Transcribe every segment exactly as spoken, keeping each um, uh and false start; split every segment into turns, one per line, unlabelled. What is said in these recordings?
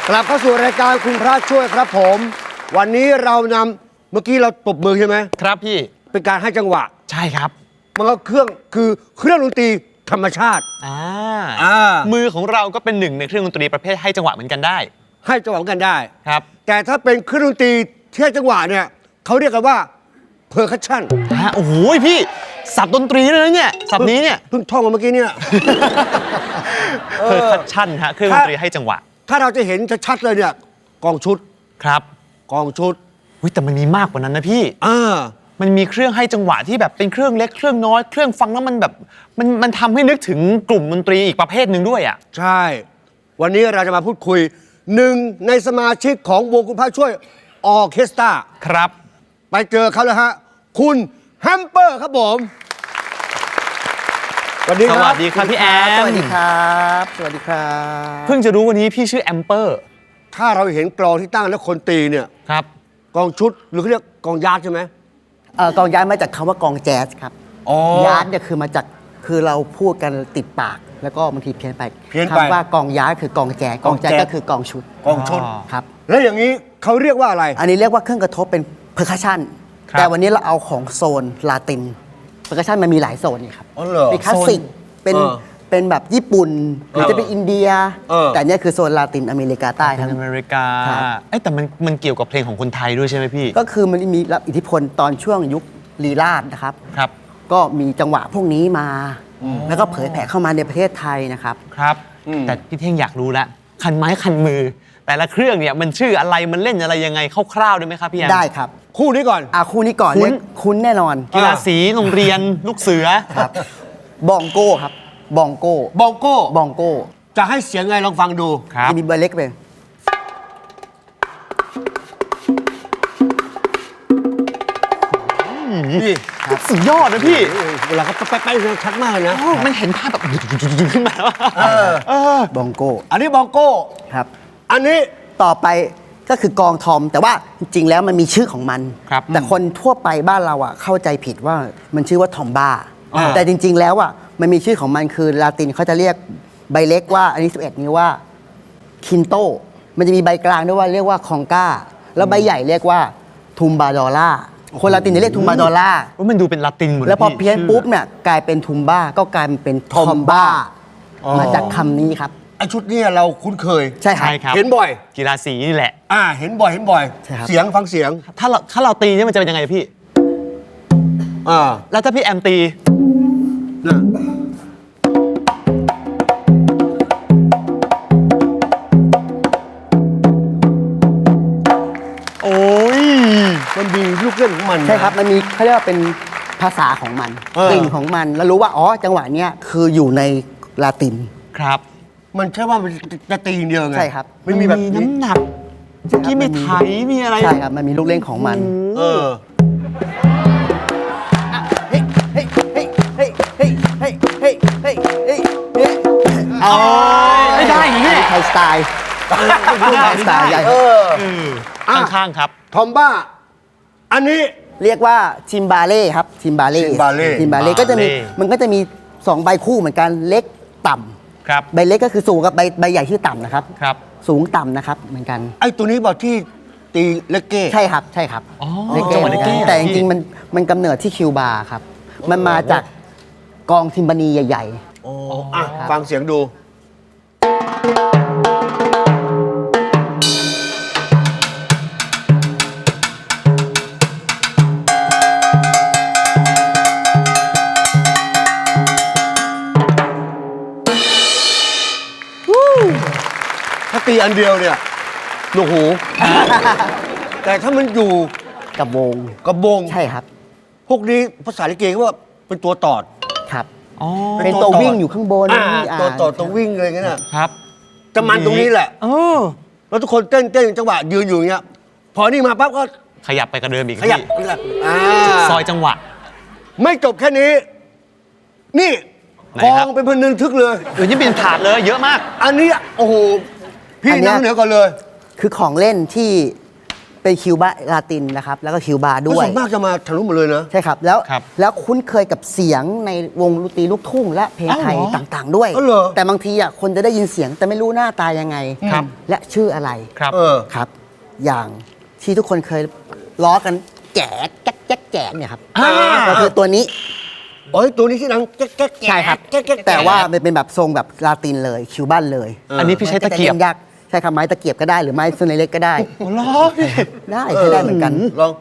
กลับเข้าสู่รายการคุณพระช่วยครับผมวันนี้เรานำเมื่อกี้เราตบมือใช่ไหม
ครับพี่
เป็นการให้จังหวะ
ใช่ครับ
มันก็เครื่องคือเครื่องดนตรีธรรมชาติ
อ่า
อ่า
มือของเราก็เป็นหนึ่งในเครื่องดนตรีประเภทให้จังหวะเหมือนกันได้
ให้จังหวะกันได้
ครับ
แต่ถ้าเป็นเครื่องดนตรีที่ให้จังหวะเนี่ยเขาเรียกกันว่าเพอร์คัชชั่น
ฮะโอ้โหพี่สับดนตรีเลยนะเนี่ยสับนี้เนี่ย
เพิ่งท่องมาเมื่อกี้เนี่ย
เพอร์คัชชั่นฮะเครื่องดนตรีให้จังหวะ
ถ้าเราจะเห็นชัดๆเลยเนี่ยกองชุด
ครับ
กองชุด
อุ้ยแต่มันมีมากกว่านั้นนะพี่
อ่า
มันมีเครื่องให้จังหวะที่แบบเป็นเครื่องเล็กเครื่องน้อยเครื่องฟังแล้วมันแบบมันมันทำให้นึกถึงกลุ่มดนตรีอีกประเภทหนึ่งด้วยอ่ะ
ใช่วันนี้เราจะมาพูดคุยหนึ่งในสมาชิกของวงคุณพระช่วยออร์เคสตรา
ครับ
ไปเจอเขาแล้วฮะคุณแฮมเปอร์ครับผมสวัสดีครับ
สวัสดีครับพี่แอม
สวัสดีครับสวัสดีครับ
เพิ่งจะรู้วันนี้พี่ชื่อแอมเปอร์
ถ้าเราเห็นกลองที่ตั้งแล้วคนตีเนี่ย
ครับ
กองชุดหรือเขาเรียกกองยาร์ดใช่ไหม
เอ่อกองย้ายมาจากคำว่ากองแจ๊สครับยาร์ดเนี่ยคือมาจากคือเราพูดกันติดปากแล้วก็บางทีเพี้ยนไป
เพี้ยนไป
คำว่ากองย้ายคือกองแจ๊สกองแจ๊สก็คือกองชุด
กองชุด
ครับ
แล้วอย่างนี้เขาเรียกว่าอะไร
อันนี้เรียกว่าเครื่องกระทบเป็นเพอร์คัชชั่นแต่วันนี้เราเอาของโซนลาตินเพอร์คัชชั่นมันมีหลายโซนนี่ครับเป็นคลาสสิกเป็นเป็นแบบญี่ปุ่นหรือจะเป็นอินเดียแต่เนี่ยคือโซนลาตินอเมริกาใต้ทั้ง
อเมริกาไอ้แต่มันมันเกี่ยวกับเพลงของคนไทยด้วยใช่ไหมพี่
ก็คือมันมีรับอิทธิพลตอนช่วงยุคลีลาศนะครับ
ครับ
ก็มีจังหวะพวกนี้มาแล้วก็เผยแผ่เข้ามาในประเทศไทยนะครับ
ครับแต่พี่เท่งอยากรู้ละคันไม้คันมือแต่ละเครื่องเนี่ยมันชื่ออะไรมันเล่นอะไรยังไงคร่าวๆได้ไหมครับพี่แอม
ได้ครับ
คู่นี้ก่อน
อ่ะคู่นี้ก่อนคุ้นคุ้นแน่นอน
กีฬาสีโรงเรียนลูกเสือ
ครับบองโก้ครับบองโก้
บองโก้
บองโก้
จะให้เสียงไงลองฟังดู
จะมีเบอร์เล็กไป
นี่
สุดยอดนะพี่
เวลาเขาแป๊ะๆชัดมากเลยนะ
มันเห็นภาพแบบขึ้นมาแล้ว
บองโก้
อันนี้บองโก้
ครับ
อันนี้
ต่อไปก็คือกองทอมแต่ว่าจริงๆแล้วมันมีชื่อของมันแต่คนทั่วไปบ้านเราอ่ะเข้าใจผิดว่ามันชื่อว่าทอมบ้าแต่จริงๆแล้วอ่ะมันมีชื่อของมันคือลาตินเขาจะเรียกใบเล็กว่าอันนี้สิบเอ็ดนิ้วว่าคินโตมันจะมีใบกลางด้วยว่าเรียกว่าคองก้าแล้วใบใหญ่เรียกว่าทุมบาดอล่าคนลาตินจะเรียกทุมบาดอล่า
ว่ามันดูเป็นลาตินหมด
แล้วพอเพี้ยนปุ๊บเนี่ยกลายเป็นทุมบ้าก็กลายเป็นทอมบ้ามาจากคำนี้ครับ
ไอชุดนี้เราคุ้นเคย
ใช่ครับ
เห็นบ่อย
กีฬาสีนี่แหละ
อ่าเห็นบ่อยเห็นบ่อยเสียงฟังเสียง
ถ้าเราถ้าเราตีเนี่ยมันจะเป็นยังไงพี่
อ่า
แล้วถ้าพี่แอมตี
นะ
โอ้ย
มันมีลูกเล่นของมัน
ใช่ครับมันมีเขาเรียกว่าเป็นภาษาของมันกลิ่นของมันแล้วรู้ว่าอ๋อจังหวะเนี้ยคืออยู่ในลาติน
ครับ
มันแค่ว่ามันจะตีอย่างเดียวไง
ใช่ครับ
ไม่มีแบบน้ำหนักเมื่อกี้มีไถมีอะไร
ใช่ครับมันมีลูกเล่นของมัน
เออ
เฮ้ยเฮ้ยเฮ้ยเฮ้ยเฮ้ยเฮ้ยเฮ้ยเฮ้ยเฮ้ยเฮ้ย
อ๋อไม่ได้อย่างนี้
ไทยสไตล์ไทยสไตล์ใหญ่
เออ
ข้างๆครับ
ทอมบ้าอันนี้
เรียกว่าทิมบาเล่ครับทิมบาเล่ทิมบาเล่ทิมบาเล่ก็จะมีมันก็จะมีสองใบคู่เหมือนกันเล็กต่ำ
ครับ
ใบเล็กก็คือสูงกับใบใบใหญ่ที่ต่ำนะครับ
ครับ
สูงต่ำนะครับเหมือนกัน
ไอ้ตัวนี้บอกที่ตีเลกเก้
ใช่ครับใช่ครับ
เลกเก้
แต่จริงๆมันมันกำเนิดที่คิวบาครับมันมาจากกองทิมบานีใหญ่
ๆอ๋ออ่ะฟังเสียงดูถ้าตีอันเดียวเนี่ยหนวกหูแต่ถ้ามันอยู่
กับวง
กับวง
ใช่ครับ
พวกนี้ภาษาลิเกว่าเป็นตัวตอด
ครับเป็นตัววิ่งอยู่ข้างบน
ตัวตอดตัววิ่งเลยงั้น
ครับ
จะมันตรงนี้แหละแล้วทุกคนเต้นเต้นจังหวะยืนอยู่อย่างเงี้ยพอนี่มาปั๊บก็
ขยับไปกระเดิมอีก
ขยับ
ซอยจังหวะ
ไม่จบแค่นี้นี่กองเป็นพันนึงทึกเลย
เออนี่เป็นถาดเลยเยอะมาก
อันนี้โอ้โหพี่นั่งเหนือก่อนเลย
คือของเล่นที่เป็นคิวบาลาตินนะครับแล้วก็คิวบาด้วย
ส่วนมากจะมาทะลุหมดเลยนะ
ใช่ครับแล้ว
ครับ
แล้วคุ้นเคยกับเสียงในวงดนตรีลูกทุ่งและเพลงไทย
อ้าวเหรอ
ต่างๆ ด้วย
อ๋อเหรอ
แต่บางทีอ่ะคนจะได้ยินเสียงแต่ไม่รู้หน้าตายังไง
ครับ
และชื่ออะไร
ครับ
เออ
ครับ อย่างที่ทุกคนเคยล้อกันแก๋แก๊กแก๊กแก๋เนี่ยครับ
อ่า
ก็คือตัวนี้
โอ้ยตัวนี้ที่ดังแก๊กแก๊กแก๊ก
ใช่ครับ
แก๊กแก๊ก
แต่ว่ามันเป็นแบบทรงแบบลาตินเลยคิวบันเลย
อันนี้พี่ใช้ตะเกียบ
มันจล่นยากใช่ครับไม้ตะเกียบก็ได้หรือไม้ส่วนเล็กๆก็ได้
โอ้โหล้อพี่
ได้ใช้ได้เหมือนกัน
ลอง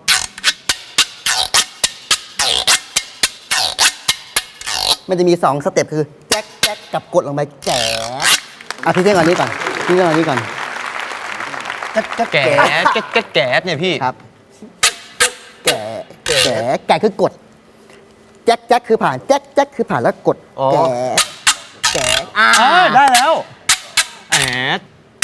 มันจะมีสองสเต็ปคือแจ๊กแจ๊กกับกดลงไปแจ๋อ่ะพี่เท่งก่อนนี้ก่อนพี่เท่งก่อนนี้ก่อนแจ๊กแจ๊ก
แก๋
แจ๋
แก๊กแก๊กแก๊กเนี่ยพี่
ครับแก่แก่แก่คือกดแจ๊กแจ๊กคือผ่านแจ๊กแจ๊กคือผ่านแล้วกด
อ๋อ
แก่แก่อ่า
อ่าได้แล้วแหม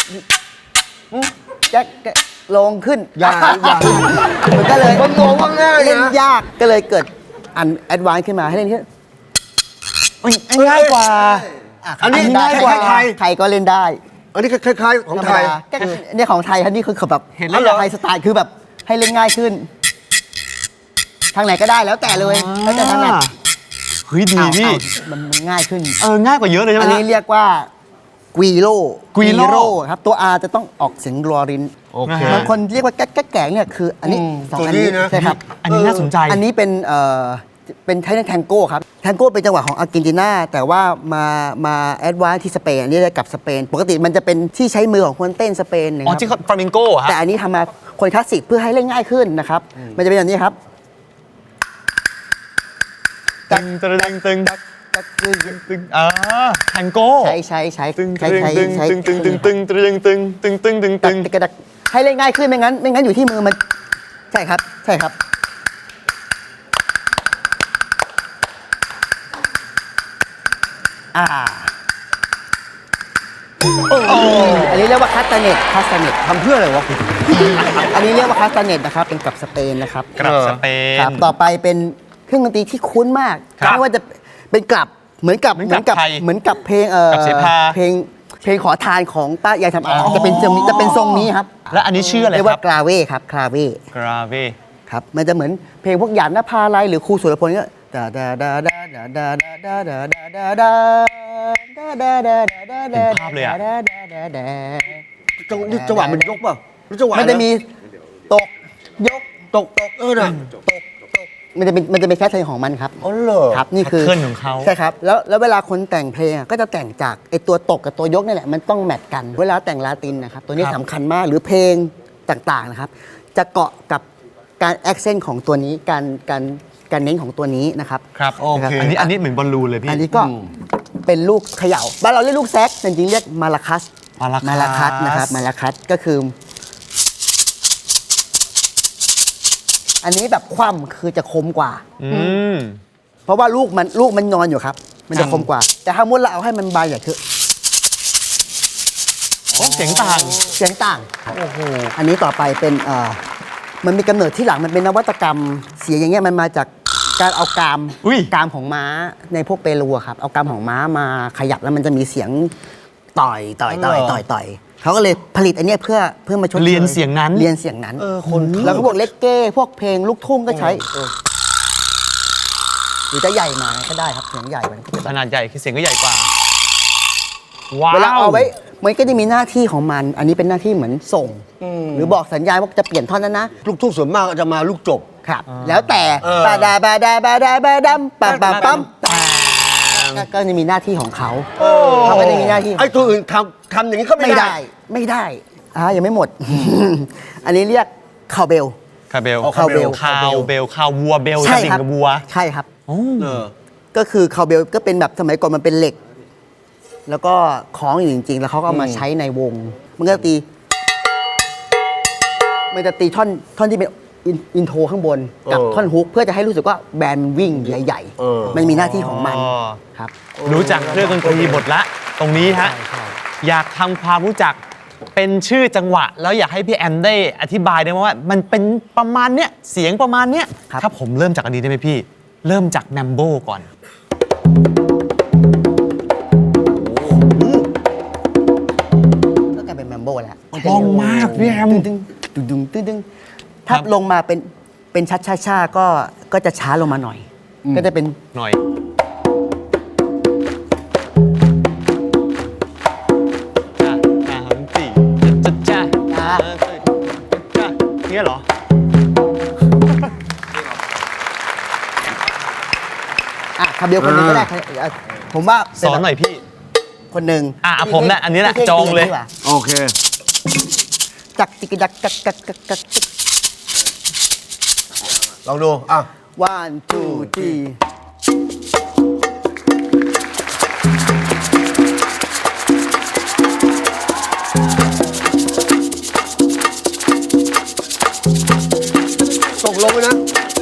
แจ๊กแจ๊กลงขึ้น
อย่าอย่า
มันก็เลย
คนมองว่าง่ายนะ
เล่นยากก็เลยเกิดอันแอดวานซ์ขึ้นมาให้เล่นที่
ง่ายกว่า
ะ
อันนี้
ได้
ง่ายกว่า
ใครก็เล่นได้
อันนี้ก็คล้ายๆของไทย
ธรรมดาแก๊กเนี่ยของไทยครับนี่คือแบบ
เห็นแล้วเหรอ
ไทยสไตล์คือแบบให้เล่นง่ายขึ้น ทางไหนก็ได้แล้วแต่เลยแล้วแต่ถนัด
เฮ้ยดี
เอา
พี่
เอามันมันง่ายขึ้น
เออง่ายกว่าเยอะเลยใช่ไหม
อันนี้
ฮะ
เรียกว่ากวีโร
Guiro
ครับตัว R จะต้องออกเสียงรอริน
โอเค
บางคนเรียกว่าแก๊กแก๊กแกงเนี่ยคืออันนี้
อืม
สอง
ตัว
อัน
นี้
นี้
นะ
ใช่ครับ
อันนี้น่าสนใจ
อันนี้เป็นเอ่อเป็นไทยแทงโก้ครับแทงโก้เป็นจังหวะของอาร์เจนตินาแต่ว่ามามาแอดวานซ์ที่สเปนอันนี้ได้กับสเปน ปกติมันจะเป็นที่ใช้มือของคนเต้นสเปนนะค
อ๋อ
รับ
ที่เขาฟลามิงโก้เหรอฮะ
แต่อันนี้ทำมาคนคลาสสิกเพื่อให้เล่นง่ายขึ้นนะครับ มันจะเป็นแบบนี้ครับ
ตึงตึงตึงตึงตึงอ่าแทงโก้
ใช้ใช้ใช้
ตึง
ใช้
ตึง
ใช้
ตึง
ใช้
ตึงตึงตึงตึงตึงตึงตึงตึงตึงตึง
ตึงกระดักให้เล่นง่ายขึ้นไม่งั้น ไม่งั้นอยู่ที่มือมันใช่ครับ ใช่ครับ อ่าอันนี้เรียกว่าคาสตาเนตคาสตาเนต
ทำเพื่ออะไรวะ
อันนี้เรียกว่าคาสตาเนตนะครับเป็นกับสเปนนะครับ
กลับสเปน
ครับต่อไปเป็นเครื่องดนตรีที่คุ้นมาก
ครับ
ไม่ว่าจะเป็นกลับเหมือนกับ
เหมือนกับไทย
เหมือนกับเพลงเอ่อก
ลับเสพา
เพลงเพลงขอทานของป้ายายทำอา
อ๋อ
จะเป็นทรงนี้จะเป็นทรงนี้ครับ
แล้วอันนี้ชื่ออะไร
เรียก
ค
ว่า
รับ
กราเว่ครับกราเว่
กราเว
ครับมันจะเหมือนเพลงพวกหยาดนภาลัยหรือครูสุรพลก็ดาดาดาดาดาดาดาดาดาดาดาดาดาดาดาดาดา
เห็นภาพเลยอะ
ดาดาดาดา
จังนี่จังหวะมันยกเปล่าหรือจังหวะ
มันจะมีตกยก
ตกตกเออน่ะ
มันจะเป็นมันจะเป็นแค่เพลงของมันครับ
อ๋อเหรอ
ครับนี่คือ
แพทเทิร์นของเขา
ใช่ครับแล้วแล้วเวลาคนแต่งเพลงอะก็จะแต่งจากไอตัวตกกับตัวยกนี่แหละมันต้องแมทกัน เวลาแต่งลาตินนะครับตัวนี้
ครับ
สำคัญมากหรือเพลงต่างๆนะครับ จะเกาะกับการแอคเซนต์ของตัวนี้การการการเน้นของตัวนี้นะครับ
ครับ
โอเค
อันนี้อันนี้เหมือนบอลลูนเลยพี่
อันนี้ก็เป็นลูกเขย่าบ้านเราเรียกลูกแซกแต่จริงๆเรียกมาลาคัส
มาลาคัส
มาลาคัสนะครับมาลาคัสก็คือ อันนี้แบบคว่ำคือจะคมกว่า
อืม
เพราะว่าลูกมันลูกมันนอนอยู่ครับ มันจะคมกว่า แต่ถ้ามุดเราเอาให้มันบานอย่างคือ
อ๋อเสียงต่าง
เสียงต่าง
โอ้โห
อันนี้ต่อไปเป็นเอ่อมันมีกำเนิดที่หลังมันเป็นนวัตกรรมเสียงอย่างเงี้ยมันมาจากการเอากราม
อุ้ย
กรามของม้าในพวกเปรูอะครับเอากรามของม้ามาขยับแล้วมันจะมีเสียงต่อยต่อยต่อยต่อยต่อยเขาก็เลยผลิตอันเนี้ยเพื่อเพื่อมาชดช
เรียนเสียงนั้น
เรียนเสียงนั้น
เออคน
แล้วก็พวกเลกเก้พวกเพลงลูกทุ่งก็ใช้หรือจะใหญ่มาก็ได้ครับเสียงใหญ่กว่านั้นก็จะ
ขนาดใหญ่คือเสียงก็ใหญ่กว่า ว้าว
เวลาเอาไว้มันก็จะมีหน้าที่ของมัน อันนี้เป็นหน้าที่เหมือนส่ง หรือบอกสัญญาณว่าจะเปลี่ยนท่อนนั้นนะ
ลูกทุ่งส่วนมากจะมาลูกจบ
ครับ แล้วแต่
เออ
บาดาบาดาบาดาบาดัมปั๊มปั๊มปั๊ม
อ่า
ก็จะมีหน้าที่ของเขาเขาก็จะมีหน้าที่
ไอ้ตัวอื่นทำทำอย่างนี้ก็ไม่
ไม่
ได้
ได้ไม่ได้อ่ายังไม่หมด อันนี้เรียกคาวเบล
คาเบล
อ๋อ
คาวเบล
คาวเบลคาววัวเบล
ใช่
กระดิ่
ครั
งกับวัว
ใช่ครับ
โอ้
เออ
ก็คือคาวเบลก็เป็นแบบสมัยก่อนมันเป็นเหล็ก แล้วก็คล้องอยู่จริง ๆ แล้วเขาก็เอามาใช้ในวง มันก็จะตี มันจะตีท่อนท่อนที่เป็นอินอินโทรข้างบน กับ
เออ
ท่อนฮุกเพื่อจะให้รู้สึกว่าแบนด์วิ่งใหญ่
เออ
ๆ มันมีหน้าที่ของมัน
อ๋อ
ครับ
รู้จักเครื่องดนตรีหมดละ ตรงนี้ฮะ อยากทำความรู้จักเป็นชื่อจังหวะ แล้วอยากให้พี่แอมได้อธิบายได้ไหมว่า มันเป็นประมาณเนี้ยเสียงประมาณเนี้ย
ครับ
ถ้าผมเริ่มจากอันนี้ได้ไหมพี่ เริ่มจากแมมโบก่อน
ก็กลายเป็นแมมโบแล้ว
คล่องมากพี่แอม
ตึงดึงดึงดึงดึงถ้าลงมาเป็นเป็นชัดช้าช้าก็ก็จะช้าลงมาหน่อย ก็จะเป็น
หน่อยจ้าสามสี่จ้าจ้าจ้าจ้าเนี่ยเหรอ
อ่ะคำเดียวคนหนึ่งก็ได้อ่ะผมว่า
สอนหน่อยพี่
คนหนึ่ง
อ่ะผมน่ะอันนี้แหละ
ที่
จองเลย
ที่ดีกว่า
โอเค
จักจิกจักจักจักจักจัก
ลองดูอ่ะ
one two three
ตกลงไปนะ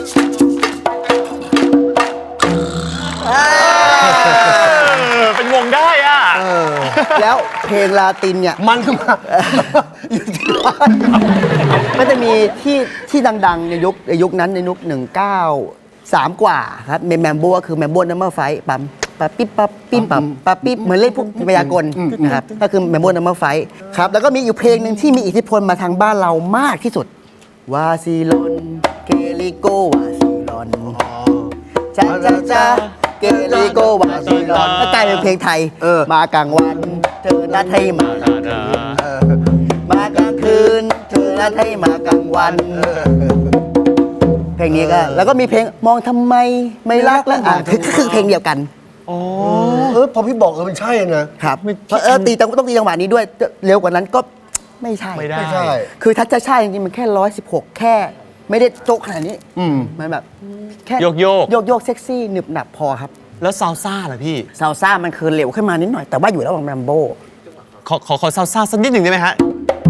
เป็นวงได้อ่ะ
แล้วเพลงลาตินเนี่ย
มันขึ้นมา อยู่ที่บ้าน
ก็จะมีที่ที่ดังๆ ในยุคในยุคนั้นในยุคหนึ่งเก้าสามกว่าครับเมมแมมโบก็คือแมมโบนัมเบอร์ไฟปั๊มปั๊บปิ๊บปั๊บปิ๊บปั๊บปั๊บปิ๊บเหมือนเล่นพวกพยากลนะครับก็คือแมมโบนัมเบอร์ไฟครับแล้วก็มีอยู่เพลงหนึ่งที่มีอิทธิพลมาทางบ้านเรามากที่สุดวาซิลอนเกลิโกวาซิลอนจ้าจ้าจ้าเกลิโกวาซิลอนก็กลายเป็นเพลงไทย
เออ
มากลางวันเธอนัดให้มากลางคืนมากลางคืนเธอนัดให้มากลางวัน เพลงนี้ก็แล้วก็มีเพลงมองทำไมไม่รักแล้วอ่ะคือคือเพลงเดียวกัน
เออพอพี่บอกเออมันใช่นะครับ
เพราะเออตีจังต้องตีจังหวะนี้ด้วยเร็วกว่านั้นก็ไม่ใช่
ไม่ได้
ไม่ใช่
คือถ้าจะใช่จริงๆมันแค่ร้อยสิบหกแค่ไม่ได้โจ๊กขนาดนี้
อืม
มันแบบแค่
โยกโยก
โยกโยกเซ็กซี่หนึบหนับพอครับ
แล้วซาวซ่าล่ะพี่
ซาวซ่ามันคือเร็วขึ้นมานิดหน่อยแต่ว่าอยู่ระหว่างแรมโบ้
ขอขอขอซาวซ่าสักนิดหนึ่งได้ไหมฮะ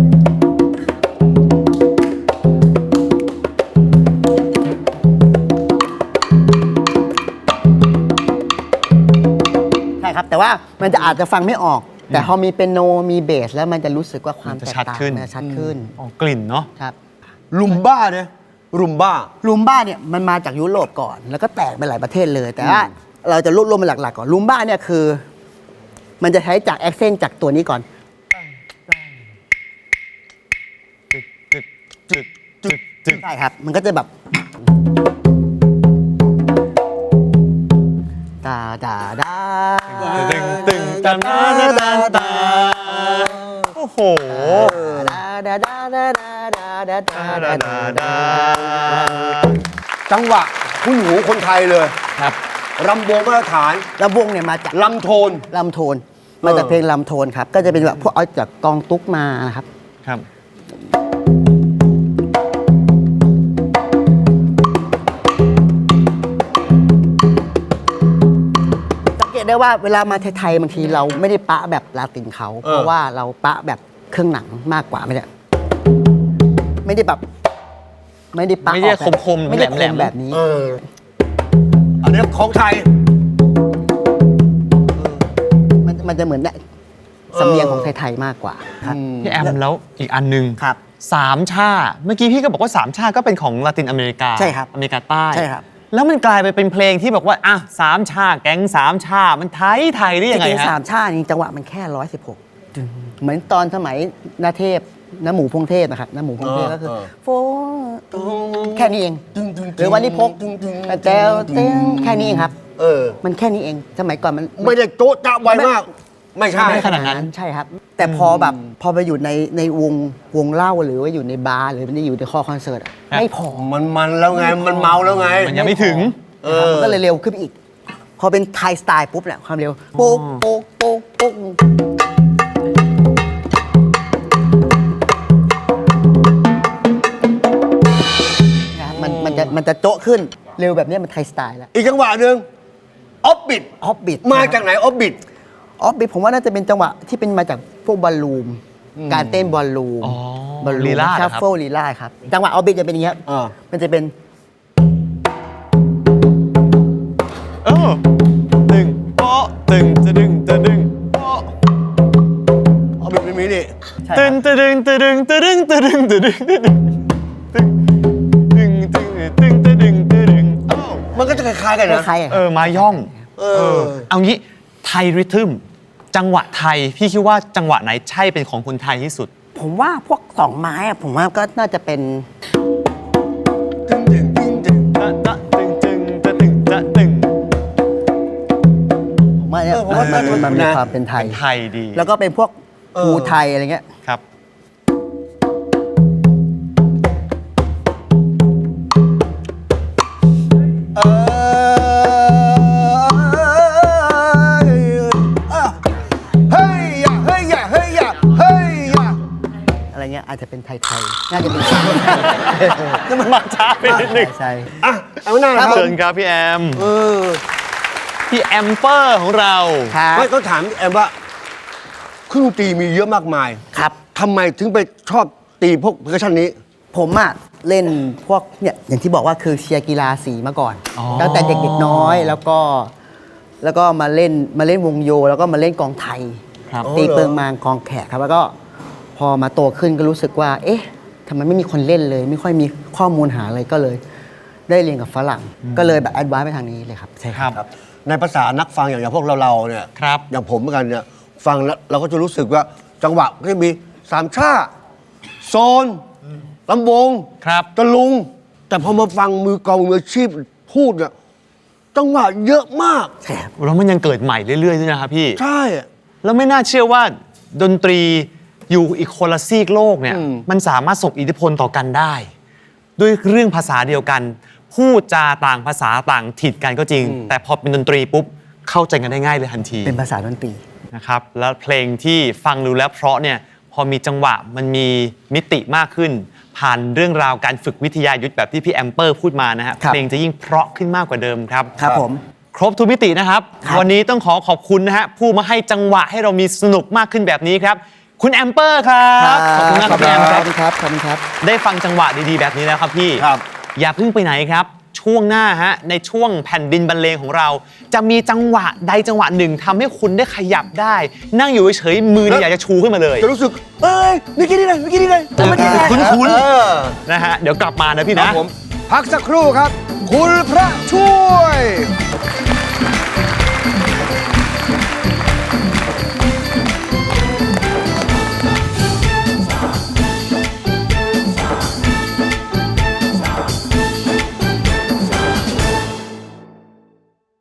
ใช่ครับแต่ว่ามันจะอาจจะฟังไม่ออก แต่พอมีเปียโนมีเบสแล้วมันจะรู้สึกว่าความ
มันจะ
แตก
ชัด
ต่าง
ขึ้น
มันจะชัดขึ้น
อ๋อกลิ่นเนาะ
ครับ
ลุมบ้าเนี่ยลุมบ้า
ลูมบ้าเนี่ยมันมาจากยุโรปก่อน แล้วก็แตกไปหลายประเทศเลย แต่ว่าเราจะรวบรวมมาหลักๆก่อนลูมบ้าเนี่ยคือ มันจะใช้จากแอคเซนต์จากตัวนี้ก่อน
จึกจึกจึกจึก
ใช่ครับ มันก็จะแบบตาดาดา
ตึงตึงตาตาตาตาโอ้โห
ดาดาดาดาดาดาดาดาดาดาดา
จังหวะคุณหูคนไทยเลย
ครับ
รำวงมาตรฐาน
แล้ววงเนี่ยมาจาก
ลำโทน
ลำโทน มาจากเพลงลำโทนครับ ก็จะเป็นแบบพวกเอาจากกองตุ๊กมานะครับ
ครับ
สังเกตได้ว่าเวลามาไทยๆบางทีเราไม่ได้ปะแบบลาตินเขา
เออ
เพราะว่าเราปะแบบเครื่องหนังมากกว่าไม่ได้ไม่ได้แบบไม่ได้ปะ
ไม่ได้
ออกแบบ
คมๆ
ไม่ได้ค
แหล
ม
มๆ
แบบนี้
เอออันนี้ของไทย
มันมันจะเหมือนได้สำเนียงของไทยๆมากกว่าครับ
พี่แอมแล้วอีกอันหนึ่ง
ครับ
สามชาเมื่อกี้พี่ก็บอกว่าสามชาก็เป็นของลาตินอเมริกา
ใช่ครับ
อเมริกาใต้
ใช่ครับ
แล้วมันกลายไปเป็นเพลงที่บอกว่าอ่ะสามชาแก๊งสามชามันไทยไทยได้
จ
ยังไง
ริงๆ
ฮะ
สามชาติจริงๆจังหวะมันแค่ร้อยสิบหกเหมือนตอนสมัยนาเทพน้าหมูพงเทพนะครับน้าหมูพงเทพก็คือ
เออ
โฟแค่นี้เองหรือวันนี้พกแต้วเต้งแค่นี้เองครับ
เออ
มันแค่นี้เอง สมัยก่อนมัน
ไม่ได้โจ๊ะจ๊ะไวมาก ไม่ใช่
ไม่ขนาดนั้น
ใช่ครับ แต่พอแบบพอไปอยู่ในในวงวงเล่าหรือว่าอยู่ในบาร์หรือมันอยู่ในคอคอนเสิร์ตอะไม่พอ
มันมันแล้วไง มันเมาแล้วไง
มันยังไม่ถึง
เอ
นะครับ
อ
มันก็เลยเร็วขึ้นไปอีก พอเป็นไทยสไตล์ปุ๊บเนี่ยความเร็วโป๊กโป๊กโป๊กโป๊กนะครับมันมันจะมันจะโจ๊ะขึ้นเร็วแบบนี้มันไทยสไตล์แล้ว
อีกจังหวะหนึ่งออฟบิด
ออฟบิด
มาจากไหนออฟบิด
ออฟบิดผมว่าน่าจะเป็นจังหวะที่เป็นมาจากพวกบอลลูมการเต้นบอลลูม
อ๋อบ
อลลู
ลี
ม
ลาดเหรอครับ
ชัฟเฟิลลีลาดครับ จังหวะออฟบิดจะเป็นอย่างเงี้ย
อ่า
มันจะเป็น
เออตึงโป๊ะตึงจะดึงจะดึงโป๊ะ
ออฟบิดไม่มีนี่
ใช่
ตึ
ค
ง
รับ
จะดึงจะดึงจะดึงจะดึงจะดึงจะดึงตึงตึงตึงตึงจะดึงจะดึงอ้าว
มันก็จะคล้ายๆกัน
ค
นะ
ล้ายๆอะค
เอ
รับ
อมาย่อง
เออ
เอางี้ไทยริทึมจังหวะไทยพี่คิดว่าจังหวะไหนใช่เป็นของคนไทยที่สุด
ผผมว่าพวกสองไม้อะผมว่าก็น่าจะเป็น
ตึงตึงตึงตึง
จะจะตึงตึงจะตึงจะตึง
ผมว่าเนี่ย
เออผมว่า
มันมันมันมี
นะ
ความเป็นไทย
ไทยดี
แล้วก็เป็นพวก
เออ
ภูไทยอะไรเงี้ย
ครับ
เออเฮ้ยอย่าเฮ้ยอย่าเฮ้ยอย่าเฮ้ยอย่า
อะไรเงี้ยอาจจะเป็นไทยๆน่าจะเป็น
นี่มันมาช้าไปนิดนึง
ใช่
อ่ะเอาหน้าครับ
เชิญครับพี่แอม
เออ
พี่แอมเปอร์ของเรา
ครับ
ไม่ต้องถามแอมว่าเครื่องดนตรีมีเยอะมากมาย
ครับ
ทำไมถึงไปชอบตีพวกเพอร์คัชชันนี้
ผมอะเล่นพวกเนี่ยอย่างที่บอกว่าคือเชียร์กีฬาสีมาก่อน
อ๋อ
ตั้งแต่เด็กๆน้อยแล้วก็แล้วก็มาเล่นมาเล่นวงโย แล้วก็มาเล่นกองไทย
ครับ
ตีเปิงมางกองแขกครับแล้วก็พอมาโตขึ้นก็รู้สึกว่า เอ๊ะทำไมไม่มีคนเล่นเลย ไม่ค่อยมีข้อมูลหาอะไรก็เลย ได้เรียนกับฝรั่ง ก็เลยแบบแอดวานซ์ไปทางนี้เลยครับใช่
ครับ
ในภาษานักฟังอย่างอย่างพวกเราเราๆเนี่ย
ครับ
อย่างผมเหมือนกันเนี่ยฟังแล้วเราก็จะรู้สึกว่าจังหวะก็จะมีสามชาโซนลำวง
ครับ
ตะลุง แต่พอมาฟังมือกลองมืออาชีพพูดเนี่ยจังหวะเยอะมาก
ใช่ครับ
แล้วมันยังเกิดใหม่เรื่อยๆด้วยนะครับพี่
ใช่
แล้วไม่น่าเชื่อว่าดนตรีอยู่อีกคนละซีกโลกเนี่ย
อืม
มันสามารถส่งอิทธิพลต่อกันได้ ด้วยเรื่องภาษาเดียวกัน พูดจาต่างภาษาต่างถิ่นกันก็จริง แต่พอเป็นดนตรีปุ๊บเข้าใจกันได้ง่ายเลยทันที
เป็นภาษาดนตรี
นะครับแล้วเพลงที่ฟังดูแล้วเพราะเนี่ยพอมีจังหวะมันมีมิติมากขึ้น ผ่านเรื่องราวการฝึกวิทยายุทธแบบที่พี่แอมเปอร์พูดมานะฮะ
ครับ
เพลงจะยิ่งเพราะขึ้นมากกว่าเดิมครับ
ครับผม
ครบทุกมิตินะครับ
ครับ
วันนี้ต้องขอขอบคุณนะฮะผู้มาให้จังหวะให้เรามีสนุกมากขึ้นแบบนี้ครับ คุณแอมเปอร์ครับขอบคุณมากครับพี่แอม
ข
ค
อ
รั
บบ คุณครับขอบคุณครับ
ได้ฟังจังหวะดีๆแบบนี้แล้วครับพี่
ครับ
อย่าเพิ่งไปไหนครับ ช่วงหน้าฮะในช่วงแผ่นดินบรรเลงของเรา จะมีจังหวะใดจังหวะหนึ่งทำให้คุณได้ขยับได้ นั่งอยู่เฉยๆมือเนี่ยอยากจะชูขึ้นมาเลย
จะรู้สึก เอ้ยเมื่อกี้นี่เลยเมื่อกี้นี่เลยเมื่อกี้นี่เลย
คุ้นๆ
เออ
นะฮะเดี๋ยวกลับมานะพี่
ครั
นะ
บผมพักสักครู่ครับ คุณพระช่วย